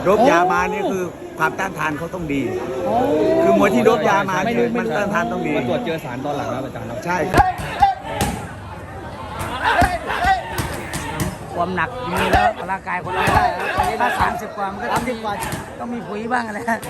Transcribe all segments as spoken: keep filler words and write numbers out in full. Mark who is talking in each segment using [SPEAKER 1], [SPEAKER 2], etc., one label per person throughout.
[SPEAKER 1] โดบยามานี่คือความต้านทานเขาต้องดีคือมวยที่โดบยามาเนี่ยมันต้านทานต้องดี
[SPEAKER 2] มาตรวจเจอสารตอนหลังครับอาจารย์ครับ
[SPEAKER 1] ใช่ครับ
[SPEAKER 3] ความหนักมีแล้วร่างกายคนเราได้ถ้าสามสิบกว่ามันก็ต้องมีต้องมีปุ๋ยบ้างอะไรนะ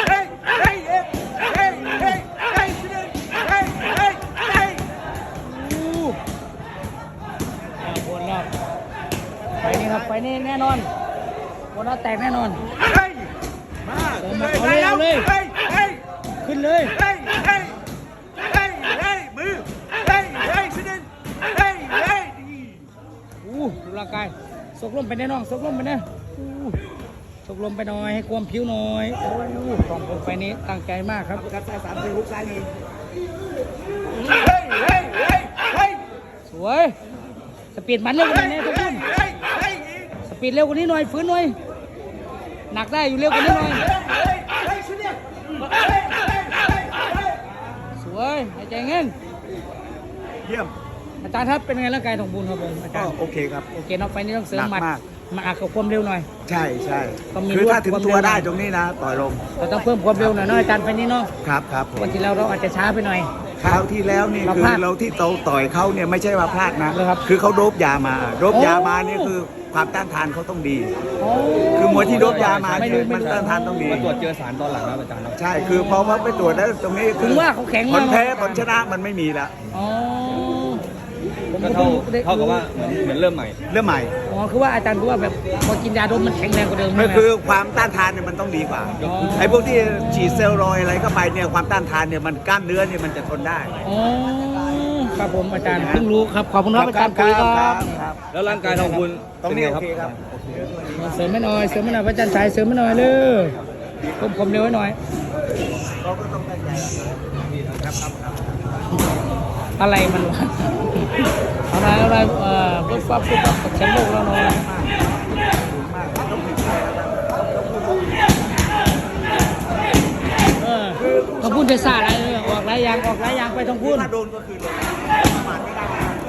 [SPEAKER 3] บนแล้วไปนี่ครับไปนี่แน่นอนบนแล้วแตกแน่นอนมาเอาเลยเอาเลยขึ้นเลยมืออู้ดูร่างกายสกลมไปแน่นอนสกลมไปแน่สกลมไปหน่อยให้ความผิวหน่อยโอ้ยของผมไฟนี้ตั้งใจมากครับครับสามสี่หกซ้ายนี่สวยสปีดมันเร็วกว่านี้ทุกคนสปีดเร็วกว่านี้หน่อยฟื้นหน่อยหนักได้อยู่เร็วกว่านี้หน่อยสวยหายใจเงี้ย
[SPEAKER 1] เยี่ยม
[SPEAKER 3] อาจารย์ครับเป็นไงร่างกายของบุญครับผมอาจารย์
[SPEAKER 1] โอเคครับ
[SPEAKER 3] โอเคน็อกไฟนี้ต้องเสริมหมัด
[SPEAKER 1] มาก
[SPEAKER 3] มาอักกับความเร็วหน่อย
[SPEAKER 1] ใช่ใช่คือถ้าถึงตัวได้ตรงนี้นะต่อยลง
[SPEAKER 3] เราต้องเพิ่มความเร็วหน่อยเนาะอาจารย์ไฟนี้เนาะ
[SPEAKER 1] ครับครับ
[SPEAKER 3] วันที่แล้วเราอาจจะช้าไปหน่อย
[SPEAKER 1] คราวที่แล้วนี่คือเราที่โตต่อยเขาเนี่ยไม่ใช่ว่าพลาดนะคือเขาโดบยามาโดบยามานี่คือความต้านทานเขาต้องดีคือมวยที่โดบยามาเนี่ยมันต้านทานต้องดี
[SPEAKER 2] มาตรวจเจอสารตอนหลังครับอาจารย์ครับ
[SPEAKER 1] ใช่คือพอว่าไปตรวจแล้วตรงนี้
[SPEAKER 3] คือว่าเขาแข็ง
[SPEAKER 1] ผลแพ้ผลชนะมันไม่มีแล้ว
[SPEAKER 2] ก็เท่าเท่ากับว่าเหมือนเริ่มใหม่
[SPEAKER 1] เริ่มใหม่
[SPEAKER 3] อ๋อคือว่าอาจารย์คือว่าแบบพอกินยาโดบมันแข็งแรงกว่าเดิม
[SPEAKER 1] ก็คือความต้านทานเนี่ยมันต้องดีกว่าไอ้พวกที่ฉีดเซลล์รอยอะไรเข้าไปเนี่ยความต้านทานเนี่ยมันกล้ามเนื้อเนี่ยมันจะทนได้
[SPEAKER 3] อ๋อครับผมอาจารย์เพิ่งรู้ครับขอบคุณครับอาจารย์ครับ
[SPEAKER 2] แล้วร่างกายของคุณ
[SPEAKER 1] ตรงนี้โอเคครับ
[SPEAKER 3] เสริมไม่หน่อยเสริมไม่หน่อยอาจารย์ชายเสริมไม่หน่อยเลยเพิ่มความเร็วให้หน่อย
[SPEAKER 1] เราก็ต้องตั้งใจครับครับ
[SPEAKER 3] อะไรมันวะอะไรอะไรเอ่อปุ๊บปั๊บปุ๊บปั๊บแชมป์โลกแล้วเนาะเออต้องพูดภาษาอะไรเลยออกหลายอย่างออกหลายอย่างไปต้องพูด
[SPEAKER 1] ถ้าโดนก็คือโดนประมาทไม่ได้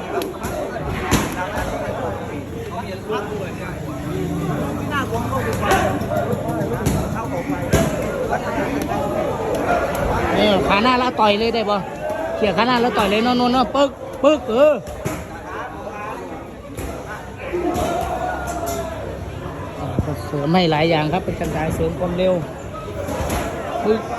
[SPEAKER 1] ไม่น่าหวงโลกดีกว่าเข้าออกไป
[SPEAKER 3] เออขาหน้าแล้วต่อยเลยได้ป่ะเขี่ยขาหน้าแล้วต่อยเลยนอนนอนปึ๊กปึ๊กเออเสริมไม่หลายอย่างครับเป็นการเสริมความเร็วปึ๊ก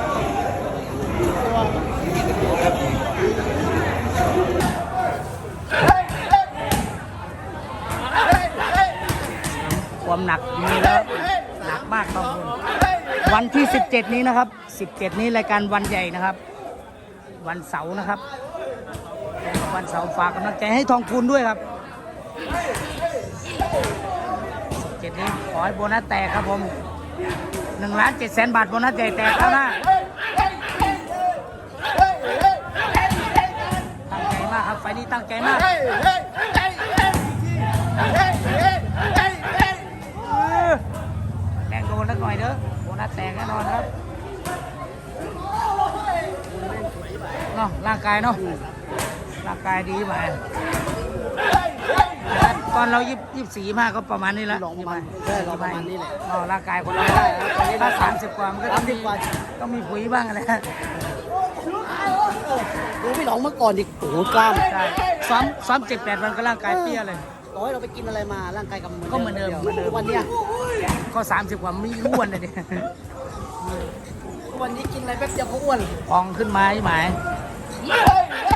[SPEAKER 3] ความหนักมีแล้วหนักมากครับวันที่สิบเจ็ดนี้นะครับสิบเจ็ดนี้รายการวันใหญ่นะครับวันเสาร์นะครับวันเสาร์ฝากกำลังใจให้ทองคูณด้วยครับเจ็ดนี้ขอให้โบนัสแตกครับผมหนึ่งล้านเจ็ดแสนบาทโบนัสใหญ่แตกแล้วนะตั้งใจมากครับไฟนี้ตั้งใจมากแรงโดนสักหน่อยเด้อโบนัสแตกแน่นอนครับเนาะร่างกายเนาะร่างกายดีไปตอนเรายิบยิบสี่มากก็ประมาณนี้แล้ว
[SPEAKER 4] ประมาณใช่ประมาณนี้แหละ
[SPEAKER 3] เนาะร่างกายคนเราได้ถ้าสามสิบกว่ามันก็ต้องมีต้องมีปุ๋ยบ้างอะไร
[SPEAKER 4] ดูพี่หลองเมื่อก่อนดิโอ้โหกล้าม
[SPEAKER 3] ใช่ซ้อมซ้อมเจ็ดแปดวันก็ร่างกายเปี้ยเลย
[SPEAKER 4] ต่อให้เราไปกินอะไรมาร่างกาย
[SPEAKER 3] ก็เหมือนเดิมเหมือนเดิม
[SPEAKER 4] วันนี้
[SPEAKER 3] ก็สามสิบกว่าไม่อ้วนเลยเนี่ย
[SPEAKER 4] วันนี้กินอะไรแป๊บเดียวก็อ้วน
[SPEAKER 3] พองขึ้นมาใช่ไหม